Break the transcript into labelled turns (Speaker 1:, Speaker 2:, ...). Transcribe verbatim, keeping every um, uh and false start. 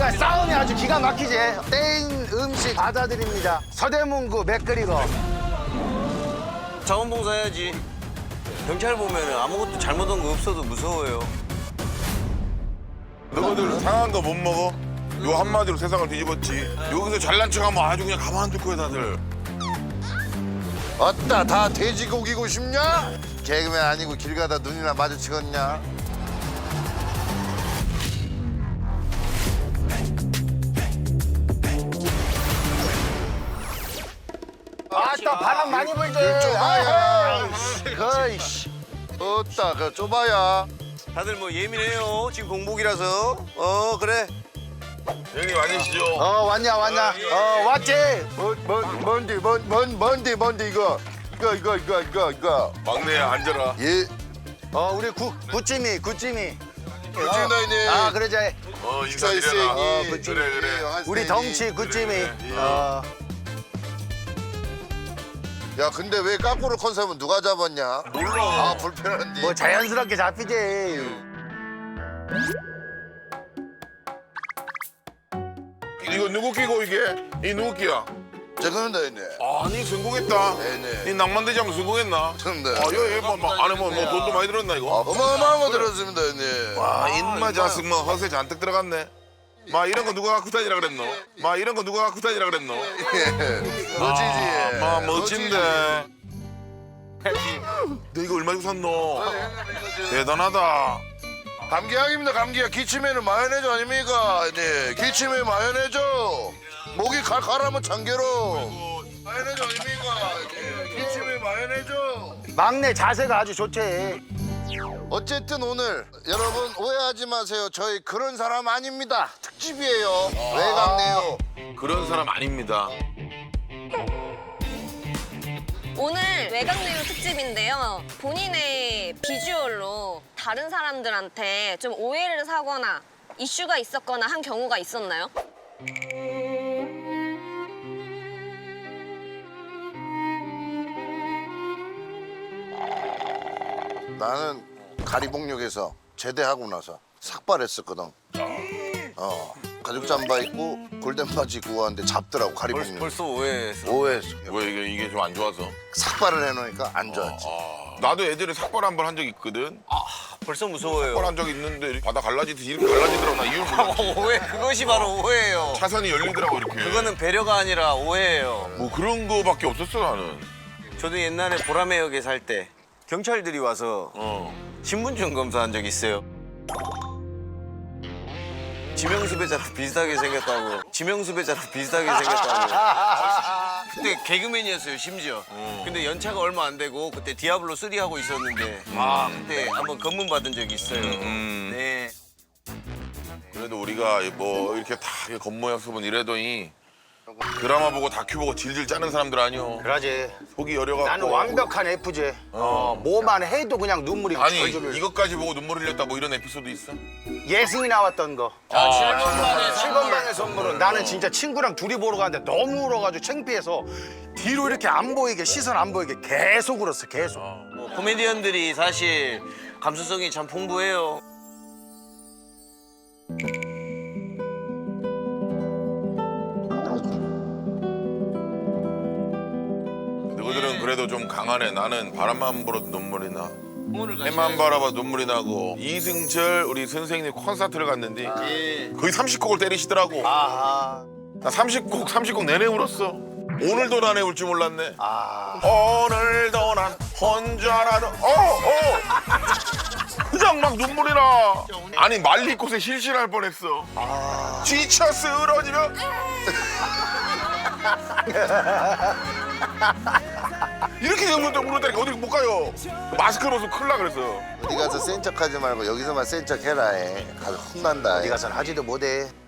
Speaker 1: 자, 싸움이 아주 기가 막히지. 땡 음식 받아드립니다. 서대문구 맥그리거.
Speaker 2: 자원봉사 해야지. 경찰 보면 아무것도 잘못한 거 없어도 무서워요.
Speaker 3: 너희들 상한 거 못 먹어? 요 한마디로 세상을 뒤집었지. 여기서 잘난 척하면 아주 그냥 가만 둘 거야 다들.
Speaker 4: 어따 다 돼지고기고 싶냐? 개그맨 아니고 길 가다 눈이나 마주치겠냐?
Speaker 1: 아따 바람 많이 불지.
Speaker 4: 좁아야. 거이씨. 어따 그 좁아야.
Speaker 2: 다들 뭐 예민해요. 지금 공복이라서. 어 그래.
Speaker 3: 형님 아니시죠?
Speaker 4: 어 왔냐 왔냐? 어 왔지? 뭔뭔 뭔디 뭔뭔 뭔디 뭔디 이거 이거 이거 이거 이거 이거.
Speaker 3: 막내야 앉아라.
Speaker 4: 예.
Speaker 1: 어 우리 구 구찌미 구찌미.
Speaker 4: 그렇지 너희네.
Speaker 1: 아 그러자.
Speaker 3: 어
Speaker 4: 식사
Speaker 3: 인사드려라.
Speaker 4: 있으니.
Speaker 3: 어, 그래 그래.
Speaker 1: 우리 덩치 구찌미.
Speaker 3: 그래, 그래.
Speaker 1: 어.
Speaker 4: 야 근데 왜 까꾸로 컨셉은 누가 잡았냐?
Speaker 3: 몰라.
Speaker 4: 아 불편한데.
Speaker 1: 뭐 자연스럽게 잡히지.
Speaker 3: 이거 누구 끼고 이게? 이 누구 끼야?
Speaker 4: 저거는 너희네.
Speaker 3: 아니 성공했다.
Speaker 4: 네네.
Speaker 3: 이 낭만대장 성공했나?
Speaker 4: 근데.
Speaker 3: 아, 여기 뭐, 뭐, 안에 뭐, 뭐 돈도 많이 들었나 이거?
Speaker 4: 어마어마한 거 들었습니다 너희네.
Speaker 3: 와, 인마 자식 뭐 허세 잔뜩 들어갔네. 마 이런 거 누가 갖고 다니라 그랬노? 마 이런 거 누가 갖고 다니라 그랬노?
Speaker 4: 멋지지.
Speaker 3: 아, 마 멋진데. 너 이거 얼마 주고 샀노? 대단하다.
Speaker 4: 감기약입니다 감기약. 기침에는 마요네즈 아닙니까? 네 기침에 마요네즈. 목이 칼칼하면 참깨로. 마요네즈 아닙니까? 네 기침에 마요네즈.
Speaker 1: 막내 자세가 아주 좋지.
Speaker 4: 어쨌든 오늘 여러분 오해하지 마세요. 저희 그런 사람 아닙니다. 특집이에요. 외곽네요.
Speaker 3: 그런 사람 아닙니다.
Speaker 5: 오늘 외곽내유 특집인데요. 본인의 비주얼로 다른 사람들한테 좀 오해를 사거나 이슈가 있었거나 한 경우가 있었나요?
Speaker 4: 나는 가리봉역에서 제대하고 나서 삭발했었거든. 어 가죽 잠바 입고 골덴 바지 입고 왔는데 잡더라고
Speaker 2: 벌,
Speaker 4: 가리봉역.
Speaker 2: 벌써 오해했어.
Speaker 4: 오해했어.
Speaker 3: 왜 이게 이게 좀 안 좋아서?
Speaker 4: 삭발을 해놓으니까 안 좋았지.
Speaker 3: 아, 나도 예전에 삭발 한 번 한 적 있거든.
Speaker 2: 벌써 무서워요.
Speaker 3: 삭발 한 적 있는데 바다 갈라지듯이 이렇게 갈라지더라고. 나 이유를 몰랐지.
Speaker 2: 오해 그것이 바로 오해예요.
Speaker 3: 차선이 열리더라고 이렇게.
Speaker 2: 그거는 배려가 아니라 오해예요.
Speaker 3: 뭐 그런 거밖에 없었어 나는.
Speaker 2: 저도 옛날에 보라매역에 살 때 경찰들이 와서
Speaker 3: 어.
Speaker 2: 신분증 검사한 적 있어요. 지명수배자랑 비슷하게 생겼다고. 지명수배자랑 비슷하게 생겼다고. 그때 개그맨이었어요 심지어. 근데 연차가 얼마 안 되고 그때 디아블로 쓰리 하고 있었는데 아 그때 한번 검문 받은 적이 있어요.
Speaker 3: 음.
Speaker 2: 네.
Speaker 3: 그래도 우리가 뭐 이렇게 다 겉모양습은 이래더니 드라마 보고 다큐 보고 질질 짜는 사람들 아니오.
Speaker 1: 그러지.
Speaker 3: 속이 여려갖고.
Speaker 1: 나는 완벽한 에프지. 어, 뭐만 해도 그냥 눈물이
Speaker 3: 아니
Speaker 1: 절절.
Speaker 3: 이것까지 보고 눈물 흘렸다 뭐 이런 에피소드 있어?
Speaker 1: 예승이 나왔던 거.
Speaker 2: 아, 칠 번 만에
Speaker 1: 칠 번 방의 선물은 나는 진짜 친구랑 둘이 보러 갔는데 너무 울어가지고 창피해서 뒤로 이렇게 안 보이게 시선 안 보이게 계속 울었어 계속.
Speaker 2: 뭐 코미디언들이 사실 감수성이 참 풍부해요.
Speaker 3: 너희들은 그래도 좀 강하네. 나는 바람만 불어도 눈물이 나. 해만 바라봐 눈물이 나고. 이승철 우리 선생님 콘서트를 갔는데 거의 삼십 곡을 때리시더라고.
Speaker 1: 아하.
Speaker 3: 나 삼십 곡 삼십 곡 내내 울었어. 오늘도 나네 울 줄 몰랐네.
Speaker 1: 아.
Speaker 3: 오늘도 난 혼자라는 어 어. 그냥 막 눈물이 나. 아니 말리꽃에 실실할 뻔했어. 지쳐 쓰러지면 이렇게 웃는데 울었다니까 어디 못 가요. 마스크 벗으면 큰일 나 그래서.
Speaker 4: 어디 가서 센 척하지 말고 여기서만 센 척해라 해. 가서 혼난다.
Speaker 1: 어디 가선 하지도 못해.